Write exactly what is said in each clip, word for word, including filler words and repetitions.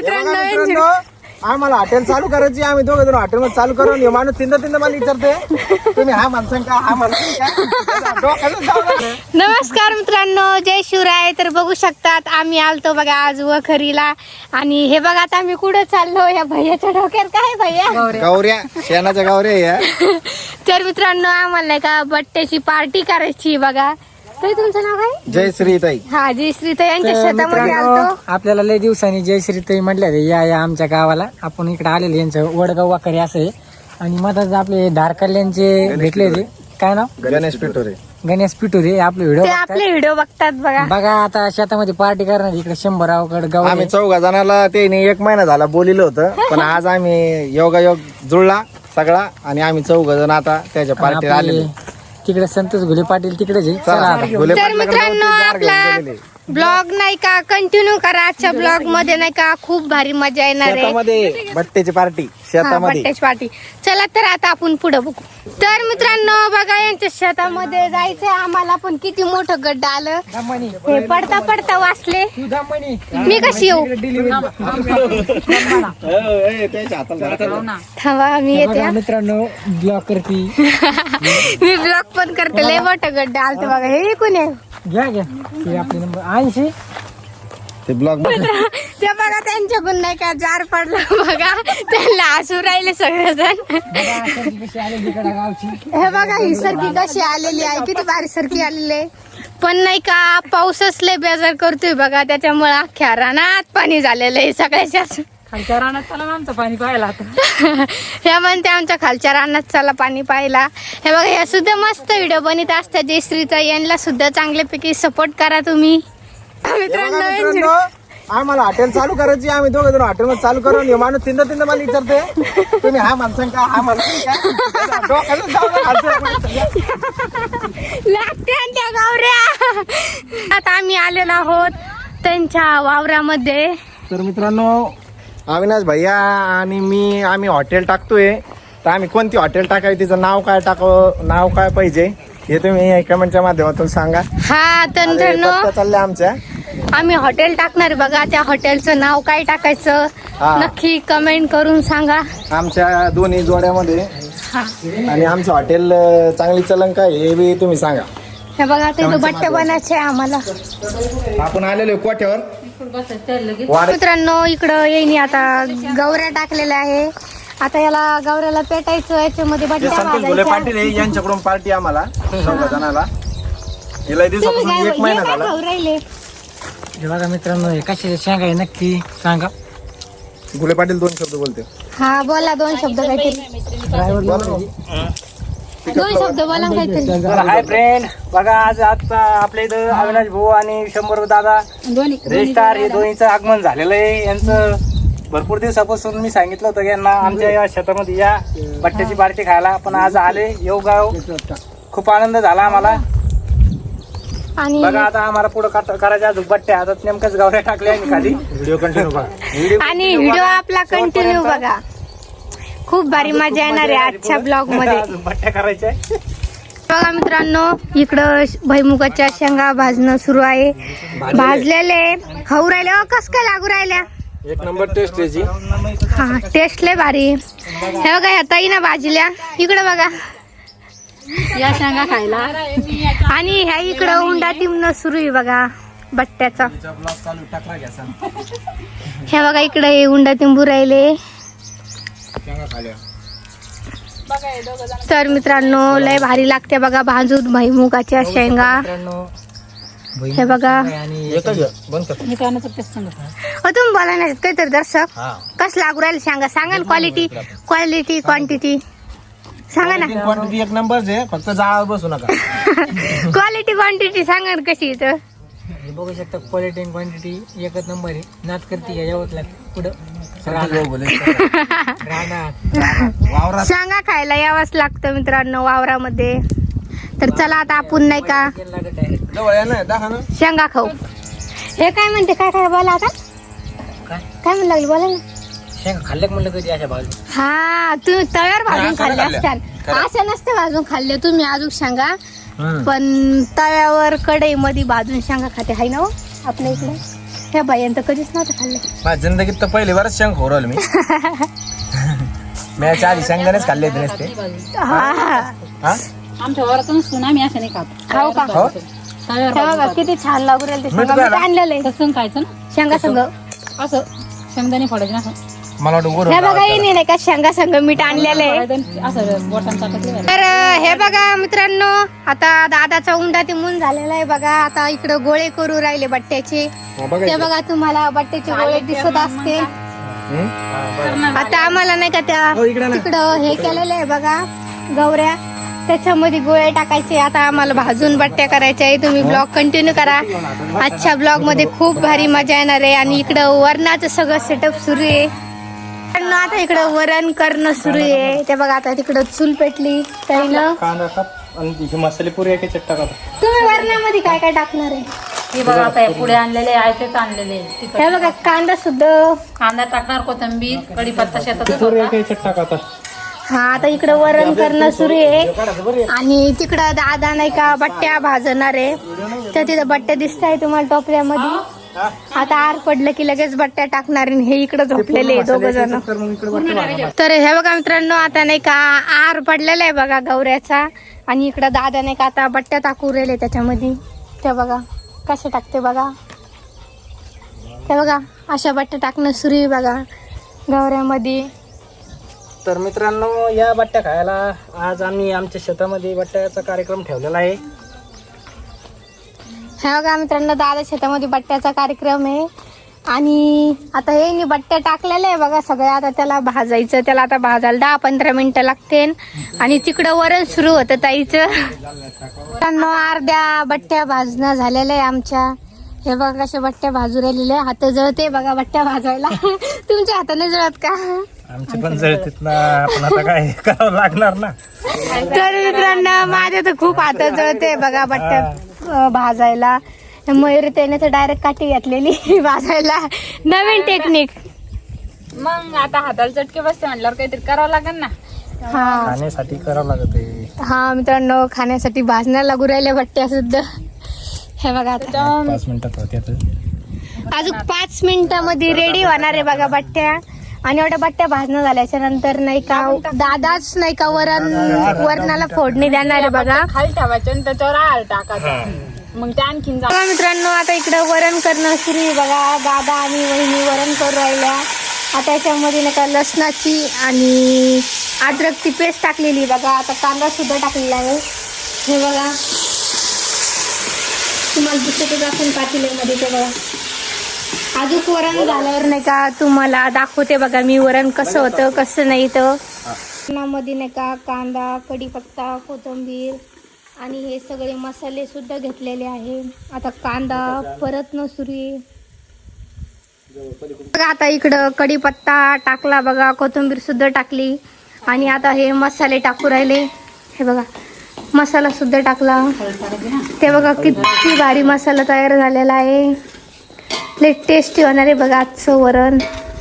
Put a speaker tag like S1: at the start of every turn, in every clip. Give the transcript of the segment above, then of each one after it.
S1: मित्रांनो आम्हाला हॉटेल चालू करायची, आम्ही दोघं जण हॉटेल मध्ये चालू करून हे माणूस तीनदा तीनदा मला विचारते तुम्ही हा माणसं का हा माणसं का.
S2: नमस्कार मित्रांनो, जय शिवराय. तर बघू शकतात आम्ही आलतो बघा आज वखरीला. आणि हे बघा आता आम्ही कुठं चाललो, या भैयाच्या डोक्यात काय भैया
S1: गौऱ्या शेणाच्या गौऱ्या या.
S2: तर मित्रांनो आम्हाला नाही का बट्ट्याची पार्टी करायची बघा. तर तुमचं नाव काय?
S1: जय श्रीताई.
S2: हा जय श्रीताई यांच्या शेतामध्ये आलतो.
S3: आपल्याला लय दिवसांनी जय श्रीताई म्हटल्या रे, या या आमच्या गावाला. आपण इकडे आलेले, यांचं वडगाव वाकरी असं आहे. आणि मधात आपले धारकल्यांचे भेटले ते काय नाव
S1: गणेश पिटोरे.
S3: गणेश पिटुरे आपले व्हिडिओ
S2: ते आपले व्हिडिओ बघतात बघा.
S3: बघा आता शेतामध्ये पार्टी करणार इकडे शंभरावकडे गाव
S1: आम्ही चौघा जणाला ते एक महिना झाला बोलिलं होतं, पण आज आम्ही योगायोग जुळला सगळा आणि आम्ही चौघ जण आता त्याच्या पार्टीला आलेले.
S3: तिकडे संतोष घुले पाटील तिकडेच आहे. चला आता.
S2: तर मित्रांनो आपला ब्लॉग नाही का कंटिन्यू करा. आजच्या ब्लॉग मध्ये नाही का खूप भारी मजा येणार आहे.
S1: शेतामध्ये बट्ट्याची पार्टी शेतामध्ये.
S2: बट्ट्याची पार्टी. चला तर आता आपण पुढे बघू. तर मित्रांनो बघा यांच्या शेतामध्ये जायचंय आम्हाला, पण किती मोठं गड्डा आलं. हे पडता पडता वाचले. मी कशी येऊ थांबा मी येते.
S3: मित्रांनो ब्लॉग करती
S2: मी ब्लॉग पण करते. लय मोठं गड्डा आलत बघा. हे कोण आहे?
S3: घ्या घ्या ते आपले नंबर ऐंशी
S1: ते ब्लॉग
S2: ते बघा त्यांच्याकडून नाही का जार पडला बघा. त्यांना हसू राहिले सगळेजण.
S3: गावची
S2: हे बघा ही सरकी कशी आलेली आहे, किती भारी सरकी आलेली आहे. पण नाही का पाऊसच लय बेजार करतोय बघा, त्याच्यामुळे अख्ख्या रानात पाणी झालेलं आहे सगळ्याच्याच.
S3: खालच्या रानात चला ना आमचं पाणी पाहायला आता.
S2: हे म्हणते आमच्या खालच्या रानात चला पाणी पाहायला. हे बघा या सुद्धा मस्त व्हिडिओ बनवत असतात जयश्रीचा. यांना सुद्धा चांगल्यापैकी सपोर्ट करा तुम्ही मित्रांनो.
S1: आम्हाला हॉटेल चालू करायची, आम्ही दोघं जण हॉटेल मध्ये चालू करून हे माणूस तीनदा तीनदा मला विचारते तुम्ही हा माणसं का हा माणसं का.
S2: लागते त्या गावऱ्या. आता आम्ही आलेलो आहोत त्यांच्या वावरामध्ये.
S1: तर मित्रांनो अविनाश भैया आणि मी आम्ही हॉटेल टाकतोय, तर आम्ही कोणती हॉटेल टाकावी, तिचं नाव काय टाकावं, नाव काय पाहिजे हे तुम्ही कमेंटच्या माध्यमातून सांगा.
S2: हा तर मित्रांनो
S1: चाललंय आमच्या
S2: आम्ही हॉटेल टाकणार बघा. त्या हॉटेलचं नाव काय टाकायचं
S1: हा.
S2: नक्की कमेंट करून सांगा
S1: आमच्या दोन्ही जोड्यामध्ये.
S2: हा
S1: आणि आमचं हॉटेल चांगली चलन काय हे बी तुम्ही सांगा.
S2: हे बघा ते बट्टे बनायचे आम्हाला.
S1: आपण आलेलो कोठ्यावर
S2: मित्रांनो इकडं येईन आता गौऱ्या टाकलेल्या आहे. आता याला गौऱ्याला पेटायचं, याच्यामध्ये बट्ट्या
S1: संतोष भोले
S2: भाजायच्या.
S1: पाटील आहे, यांच्याकडून पार्टी आम्हाला चौघा जणाला. हिला दिवसापासून एक
S2: हे
S1: महिना
S2: काय
S1: झाला.
S2: खाऊ राहिले?
S3: हे बघा मित्रांनो हे कशाचे शेंगा आहे नक्की सांगा.
S1: भोले पाटील दोन शब्द बोलते.
S2: हा बोला दोन शब्द काहीतरी. दोन शब्द बोला काहीतरी.
S3: हाय फ्रेंड, बघा आज आता आपल्या इथं अविनाश भाऊ आणि शंभर दादा रेस्टार हे दोन्हीचं आगमन झालेलं आहे. यांचं भरपूर दिवसापासून मी सांगितलं होतं की यांना आमच्या या शेतामध्ये या बट्ट्याची पार्टी खायला, पण आज आले येऊ गाव. खूप आनंद झाला आम्हाला.
S2: आणि
S3: बघा आता आम्हाला पुढे करायच्या अजून बट्ट्या, आता नेमकंच गावऱ्या टाकल्या आम्ही खाली. व्हिडिओ कंटिन्यू बघा.
S2: आणि व्हिडिओ आपला कंटिन्यू बघा. खूप भारी मजा येणार आहे आजच्या ब्लॉग मध्ये.
S3: बट्ट्या करायच्या
S2: बघा मित्रांनो इकडं भुईमुगाच्या शेंगा भाजणं सुरू आहे. भाजलेले खाऊ राहिले. अ कस काय लागू राहिल्या.
S1: एक नंबर टेस्ट त्याची.
S2: हा टेस्ट लय भारी. हे बघा ह्या ताईनं भाजल्या. इकडं बघा या शेंगा खायला. आणि ह्या इकडं हुंडा टिमणं सुरू आहे बघा बट्ट्याचा. हे बघा इकडे हे हुंडा टिंबू राहिले. तर मित्रांनो लय भारी लागते बघा भाजून भुईमुगाच्या शेंगा. हे बघा तुम्ही बोला ना काहीतरी दर्शक कस लागू राहील शेंगा सांगा ना. क्वालिटी क्वालिटी क्वांटिटी सांगा ना.
S1: क्वांटिटी एक नंबर आहे, फक्त जाळावर बसू नका.
S2: क्वालिटी क्वांटिटी सांगा ना कशी इथं.
S3: बघू शकता क्वालिटी आणि क्वांटिटी एकच नंबर आहे. नाच करते का यावंच लागतं पुढं.
S2: शेंगा खायला यावंच लागतं मित्रांनो वावरामध्ये. तर चला आता आपण नाही का शेंगा खाऊ. हे काय म्हणते काय काय बोला आता काय म्हणू लागली बोला ना.
S3: शेंगा खाल्ल्या म्हणलं कधी अशा बाजू.
S2: हा तुम्ही तव्यावर भाजून खाल्ले असतात, असं नसते भाजून खाल्ले तुम्ही अजून शेंगा. पण तव्यावर कढई मध्ये भाजून शेंगा खाते हाय ना आपल्या इकडे. ह्या बायांचं कधीच नव्हतं खाल्लं.
S1: माझ्या जिंदगीत तर पहिली बारच शेंग खोरवलं मी मी आधी शेंगदाणेच खाल्ले होते नसते.
S2: हा
S1: हा
S4: आमच्या वरातून सुना आम्ही असं नाही खात.
S2: खाऊ का?
S1: हो
S4: तव्यावर
S2: हे बघा किती छान लागू राहिले ते
S1: मीठ
S2: शेंगा. मीठ
S1: घाला.
S2: आणलेलं आहे
S4: तसं खायचं ना
S2: शेंगा संग.
S4: असं शेंगदाणे फोडायचे ना असं
S1: मला वाटतं गोड
S2: हे
S1: होतं.
S2: बघा येणे नाही का शेंगा संग मीठ आणलेलं आहे.
S4: फोडायचं, असं बोटांचा टाकलं
S2: तर हे बघा मित्रांनो, आता दादाचा उंडा तिमून झालेला आहे बघा. आता इकडं गोळे करू राहिले बट्ट्याचे.
S1: हा, बघा
S2: ते
S1: इथे.
S2: बघा तुम्हाला बट्ट्याचे गोळे दिसत असते.
S1: हम्म?
S2: आता आम्हाला नाही का त्या
S1: हो, इकडे ना.
S2: तिकडं हे केलेलं आहे बघा गवऱ्या, त्याच्यामध्ये गोळे टाकायचे. आता आम्हाला भाजून बट्ट्या करायच्या आहे. तुम्ही ब्लॉग कंटिन्यू करा. आजच्या ब्लॉग मध्ये खूप भारी मजा येणार आहे. आणि इकडं वरणाचं सगळं सेटअप सुरू आहे. पण आता इकडं वरण करणं सुरू आहे. ते बघा आता तिकडं चूल पेटली ताईनं.
S3: कांदा काप आणि ही मसाले पुरी एक चट्टा काप.
S2: तुम्ही वरणामध्ये काय काय टाकणार आहे?
S4: हे बघा आता हे पुढे आणलेले आहे तेच आणलेले तिखट.
S2: हे बघा कांदा सुद्धा.
S4: कांदा टाकणार, कोथिंबीर, कढीपत्ता शेतात
S3: पुरी एक चट्टा काप.
S2: हा आता इकडं वरण करणं सुरू आहे. आणि तिकडं दादा नाही का बट्ट्या भाजणार आहे. तर तिथं बट्ट्या दिसत आहे तुम्हाला टोपल्यामध्ये. आता आर पडलं की लगेच बट्ट्या टाकणार. आणि हे इकडं झोपलेले दोघ जण. तर हे बघा मित्रांनो, आता नाही का आर पडलेला आहे बघा गवऱ्याचा. आणि इकडं दादा नाही का आता बट्ट्या टाकू राहिले त्याच्यामध्ये. ते बघा कसे टाकते बघा. हे बघा अशा बट्ट्या टाकणं सुरू आहे बघा गवऱ्यामध्ये.
S3: तर मित्रांनो, या बट्ट्या खायला आज आम्ही आमच्या शेतामध्ये बट्ट्याचा कार्यक्रम ठेवलेला आहे.
S2: हे बघा मित्रांनो, दादा शेतामध्ये बट्ट्याचा कार्यक्रम आहे. आणि आता हे नी बट्ट्या टाकलेल्या आहे बघा सगळ्या. आता त्याला भाजायचं. त्याला आता भाजायला दहा पंधरा मिनिटं लागते. आणि तिकडं वरण सुरू होतं ताईचं. मित्रांनो, अर्ध्या बट्ट्या भाजणं झालेल्या आहे आमच्या. हे बघा कशा बट्ट्या भाजू राहिलेल्या. हात जळते बघा बट्ट्या भाजायला. तुमच्या हाताने जळत का?
S3: आमचे पण जळतीत ना, आपण आता काय करावं लागणार ना.
S2: तर मित्रांनो, माझ्या तर खूप हात जळते बघा बट्ट्या अं, भाजायला. मयूर त्याने तर डायरेक्ट काठी घातलेली भाजायला. नवीन टेक्निक.
S4: मग आता हाताला चटके बसते म्हटल्यावर काहीतरी करावं लागेल ना.
S2: हा
S3: खाण्यासाठी करावं लागत आहे.
S2: हा मित्रांनो, खाण्यासाठी भाजण्याला लागू राहिल्या बट्ट्या सुद्धा. हे बघा आता
S3: पाच मिनिटात होते.
S2: अजून पाच मिनिटामध्ये रेडी होणार आहे बघा बट्ट्या. आणि एवढ्या बट्ट्या भाजणं झाल्याच्या नंतर नाही का दादाच नाही का वरण वरणाला फोडणी देणार आहे बघा.
S4: खाली ठेवायचं आणि त्याच्यावर आळ टाकायचं. मग ते आणखीन
S2: बघा मित्रांनो, आता इकडं वरण करणं सुरू आहे बघा. दादा आणि वहिनी वरण करू राहिल्या. आता याच्यामध्ये नाही का लसणाची आणि अद्रकची पेस्ट टाकलेली बघा. आता कांदा सुद्धा टाकलेला आहे. हे बघा तुम्हाला दिसतच आपण पातेल्यामध्ये. ते बघा अजून वरण झाल्यावर नाही का तुम्हाला दाखवते बघा मी वरण कसं होतं कसं नाही. तर वरणामध्ये नाही का कांदा, कढीपत्ता, कोथिंबीर आणि हे सगळे मसाले सुद्धा घेतलेले आहे. आता कांदा परतणं सुरू आहे बघा. आता इकडं कढीपत्ता टाकला बघा, कोथिंबीर सुद्धा टाकली. आणि आता हे मसाले टाकू राहिले. हे बघा मसाला सुद्धा टाकला. ते बघा किती भारी मसाला तयार झालेला आहे. लय टेस्टी होणार आहे बघा आजचं वरण.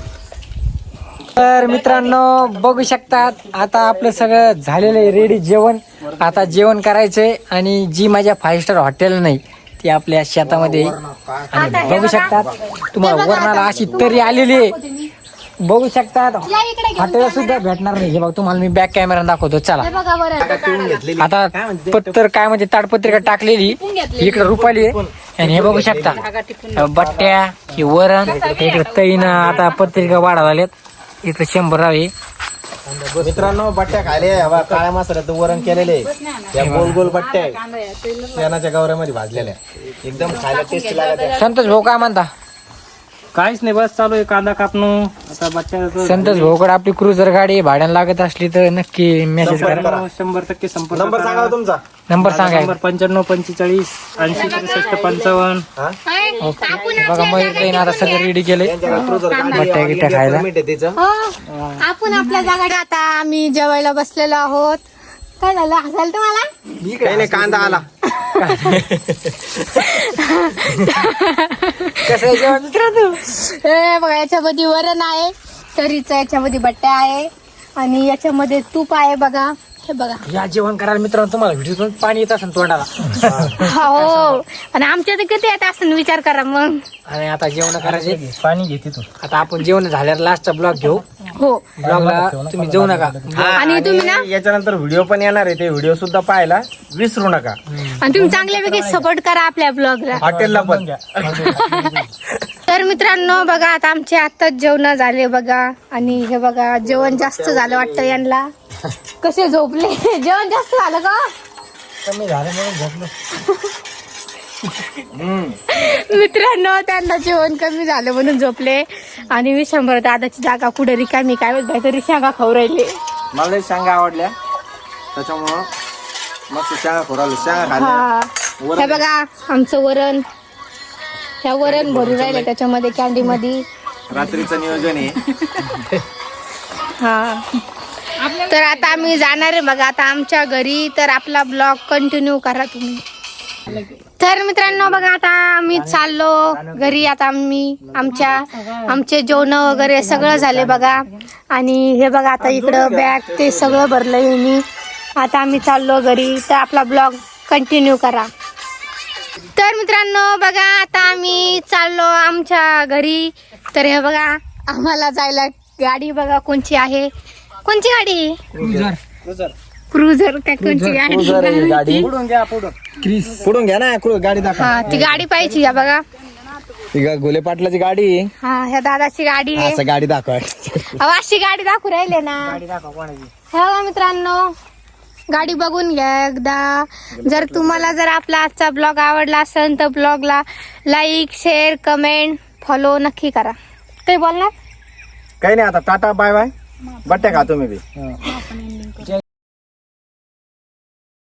S3: तर मित्रांनो, बघू शकतात आता आपलं सगळं झालेलं आहे रेडी जेवण. आता जेवण करायचंय. आणि जी माझ्या फाईव्ह स्टार हॉटेल नाही ती आपल्या शेतामध्ये आहे. आणि बघू शकतात तुम्हाला वरणाला अशी तरी आलेली आहे. बघू शकतात हॉटेल सुद्धा भेटणार नाही. हे बघ तुम्हाला मी बॅक कॅमेरा दाखवतो. चला
S2: हे बघा वरण.
S3: आता पत्तर काय म्हणजे ताडपत्रिका टाकलेली इकडे रुपाली आहे. आणि हे बघू शकता बट्ट्या, हे वरण, इकडे तईनं आता पत्रिका वाढा झाल्यात. इकडे शंभर आहे.
S1: मित्रांनो, बट्ट्या खायले हवा. काळ्या मसाल्यात वरण केलेले. या गोल गोल बट्ट्या आहे शेणाच्या गवऱ्यामध्ये भाजलेल्या. एकदम खायला टेस्टी लागत.
S3: संतोष भाऊ काय म्हणता?
S5: काहीच नाही, बस चालू आहे कांदा कापणं. आता बच्चा
S3: संतोष भाऊकडे आपली क्रुझर गाडी भाड्याला लागत असली तर नक्की मेसेज करा.
S5: शंभर टक्के संपर्क
S1: नंबर सांगा हो तुमचा.
S3: नंबर सांगा.
S5: नंबर पंच्याण्णव पंचेचाळीस ऐंशी त्रेसष्ट पंचावन्न.
S3: बघा मयूर ताईनं आता सगळं रेडी केलंय बट्ट्या गिट्ट्या खायला.
S2: हो, आपण आपल्या जागा आता आम्ही जेवायला बसलेलो आहोत. काय झालं हसाल तुम्हाला?
S1: काही नाही, कांदा आला.
S2: कसं जेवण मित्रांनो? हे बघा याच्यामध्ये वरण आहे, तरीचं याच्यामध्ये बट्ट्या आहे आणि याच्यामध्ये तूप आहे बघा. हे बघा
S3: या जेवण करायला मित्रांनो तुम्हाला व्हिडिओतून पाणी येत असेल तोंडाला.
S2: हो आणि आमच्या तर किती येत असं विचार करा मग.
S3: आणि आता जेवण करायचे.
S5: पाणी घेते तू.
S3: आता आपण जेवण झाल्यावर लास्टचा ब्लॉग घेऊ.
S2: हो
S3: ब्लॉगला तुम्ही जाऊ नका.
S1: हा,
S2: आणि तुम्ही ना-
S1: याच्यानंतर व्हिडिओ पण येणार आहे, ते व्हिडिओ सुद्धा पाहायला विसरू नका.
S2: आणि तुम्ही चांगल्यापैकी सपोर्ट करा आपल्या ब्लॉगला.
S1: हॉटेलला पण.
S2: तर मित्रांनो बघा आता आमचे आताच जेवण झाले बघा. आणि हे बघा जेवण जास्त झालं वाटतं यांना. कसे झोपले. जेवण जास्त झालं का
S3: कमी झालं म्हणून झोपलो.
S2: मित्रांनो त्यांना जेवण कमी झालं म्हणून झोपले. आणि मी शंभर दादाची जागा कुठे रिकामी काय माहित काहीतरी शेंगा खाऊ राहिले.
S1: मला लई शेंगा आवडल्या त्याच्यामुळं मस्त शेंगा खोरावलं. शेंगा खाल्ल्या.
S2: हा हे बघा आमचं वरण. ह्या वरण भरून राहिले त्याच्यामध्ये कॅन्डी मध्ये.
S1: रात्रीचं नियोजन आहे.
S2: हा तर आता आम्ही जाणार आहे बघा आता आमच्या घरी. तर आपला ब्लॉग कंटिन्यू करा तुम्ही. तर मित्रांनो बघा आता आम्ही चाललो घरी. आता आम्ही आमच्या आमचे जेवण वगैरे सगळं झाले बघा. आणि हे बघा आता इकडं बॅग ते सगळं भरलंय मी. आता आम्ही चाललो घरी. तर आपला ब्लॉग कंटिन्यू करा. तर मित्रांनो बघा आता आम्ही चाललो आमच्या घरी. तर हे बघा आम्हाला जायला गाडी बघा कोणची आहे. कोणची गाडी. क्रुझर काय कोणची गाडी.
S1: गाडी
S3: पुढून घ्या पुढून.
S1: पुढून घ्या ना. कुठं गाडी दाखवा.
S2: हा ती गाडी पाहिजे या बघा.
S1: ती गा- गोले पाटलाची गाडी आहे.
S2: हा ह्या दादाची गाडी आहे.
S1: असं गाडी दाखवा.
S2: अहो, अशी गाडी दाखवू राहिले ना.
S3: गाडी दाखवा कोणाची.
S2: हे बघा मित्रांनो गाडी बघून घ्या एकदा. जर तुम्हाला जर आपला आजचा ब्लॉग आवडला असेल तर ब्लॉगला लाईक शेअर कमेंट फॉलो नक्की करा. काही बोलणार
S1: काही नाही आता टाटा बाय बाय. बट्ट्या खा तुम्ही बी.